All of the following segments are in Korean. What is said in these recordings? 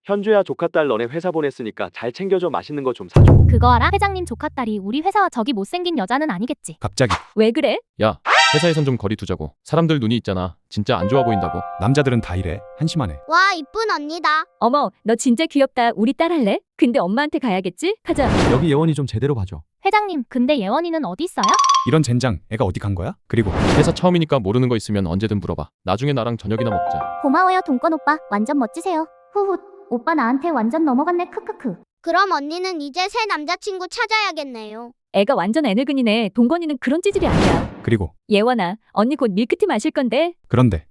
현주야, 조카딸 너네 회사 보냈으니까 잘 챙겨줘. 맛있는 거 좀 사줘. 그거 알아? 회장님 조카딸이 우리 회사와 저기 못생긴 여자는 아니겠지? 갑자기 왜 그래? 야, 회사에선 좀 거리 두자고. 사람들 눈이 있잖아. 진짜 안 좋아 보인다고. 남자들은 다 이래. 한심하네. 와, 이쁜 언니다. 어머, 너 진짜 귀엽다. 우리 딸 할래? 근데 엄마한테 가야겠지? 가자. 여기 예원이 좀 제대로 봐줘. 회장님, 근데 예원이는 어디 있어요? 이런 젠장 애가 어디 간 거야? 그리고 회사 처음이니까 모르는 거 있으면 언제든 물어봐. 나중에 나랑 저녁이나 먹자. 고마워요, 동건 오빠. 완전 멋지세요. 후훗. 오빠 나한테 완전 넘어갔네. 크크크. 그럼 언니는 이제 새 남자친구 찾아야겠네요. 애가 완전 애늙은이네. 동건이는 그런 찌질이 아니야. 그리고 예원아, 언니 곧 밀크티 마실 건데. 그런데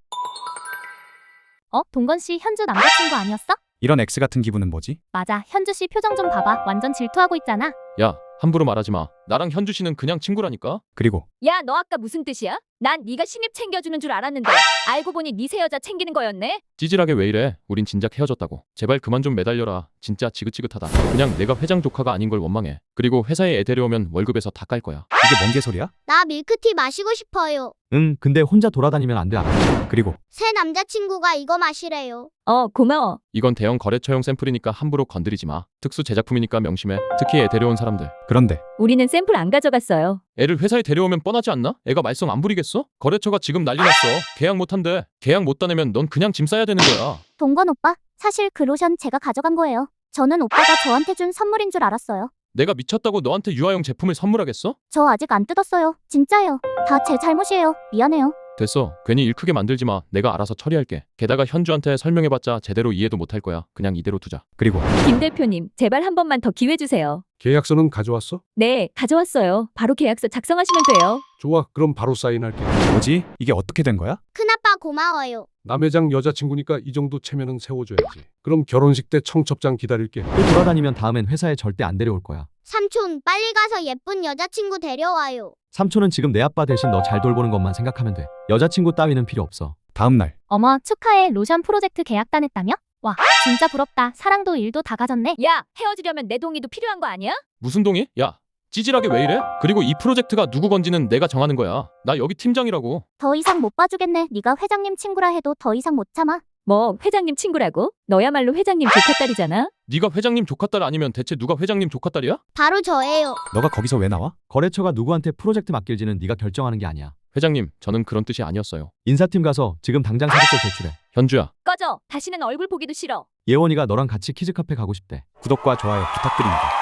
동건 씨 현주 남자친구 아니었어? 이런 X 같은 기분은 뭐지? 맞아. 현주 씨 표정 좀 봐봐. 완전 질투하고 있잖아. 야, 함부로 말하지 마. 나랑 현주 씨는 그냥 친구라니까. 그리고 야, 너 아까 무슨 뜻이야? 난 네가 신입 챙겨주는 줄 알았는데 알고 보니 네 새 여자 챙기는 거였네? 찌질하게 왜 이래? 우린 진작 헤어졌다고. 제발 그만 좀 매달려라. 진짜 지긋지긋하다. 그냥 내가 회장 조카가 아닌 걸 원망해. 그리고 회사에 애 데려오면 월급에서 다 깔 거야. 이게 뭔 개소리야? 나 밀크티 마시고 싶어요. 응, 근데 혼자 돌아다니면 안 돼. 알아? 그리고 새 남자친구가 이거 마시래요. 고마워. 이건 대형 거래처용 샘플이니까 함부로 건드리지 마. 특수 제작품이니까 명심해. 특히 애 데려온 사람들. 그런데 우리는 샘플 안 가져갔어요. 애를 회사에 데려오면 뻔하지 않나? 애가 말썽 안 부리겠어? 거래처가 지금 난리 났어. 계약 못 한대. 계약 못 따내면 넌 그냥 짐 싸야 되는 거야. 동건 오빠, 사실 그 로션 제가 가져간 거예요. 저는 오빠가 저한테 준 선물인 줄 알았어요. 내가 미쳤다고 너한테 유아용 제품을 선물하겠어? 저 아직 안 뜯었어요. 진짜예요. 다 제 잘못이에요. 미안해요. 됐어. 괜히 일 크게 만들지 마. 내가 알아서 처리할게. 게다가 현주한테 설명해봤자 제대로 이해도 못할 거야. 그냥 이대로 두자. 그리고 김 대표님, 제발 한 번만 더 기회 주세요. 계약서는 가져왔어? 네, 가져왔어요. 바로 계약서 작성하시면 돼요. 좋아, 그럼 바로 사인할게. 뭐지? 이게 어떻게 된 거야? 큰아빠 고마워요. 남 회장 여자친구니까 이 정도 체면은 세워줘야지. 그럼 결혼식 때 청첩장 기다릴게. 또 돌아다니면 다음엔 회사에 절대 안 데려올 거야. 삼촌, 빨리 가서 예쁜 여자친구 데려와요. 삼촌은 지금 내 아빠 대신 너 잘 돌보는 것만 생각하면 돼. 여자친구 따위는 필요 없어. 다음 날 어머, 축하해. 로션 프로젝트 계약 따냈다며? 와, 진짜 부럽다. 사랑도 일도 다 가졌네. 야, 헤어지려면 내 동의도 필요한 거 아니야? 무슨 동의? 야, 찌질하게 왜 이래? 그리고 이 프로젝트가 누구 건지는 내가 정하는 거야. 나 여기 팀장이라고. 더 이상 못 봐주겠네. 네가 회장님 친구라 해도 더 이상 못 참아. 뭐 회장님 친구라고? 너야말로 회장님 조카딸이잖아. 네가 회장님 조카딸 아니면 대체 누가 회장님 조카딸이야? 바로 저예요. 너가 거기서 왜 나와? 거래처가 누구한테 프로젝트 맡길지는 네가 결정하는 게 아니야. 회장님, 저는 그런 뜻이 아니었어요. 인사팀 가서 지금 당장 사직서 제출해. 현주야, 꺼져. 다시는 얼굴 보기도 싫어. 예원이가 너랑 같이 키즈카페 가고 싶대. 구독과 좋아요 부탁드립니다.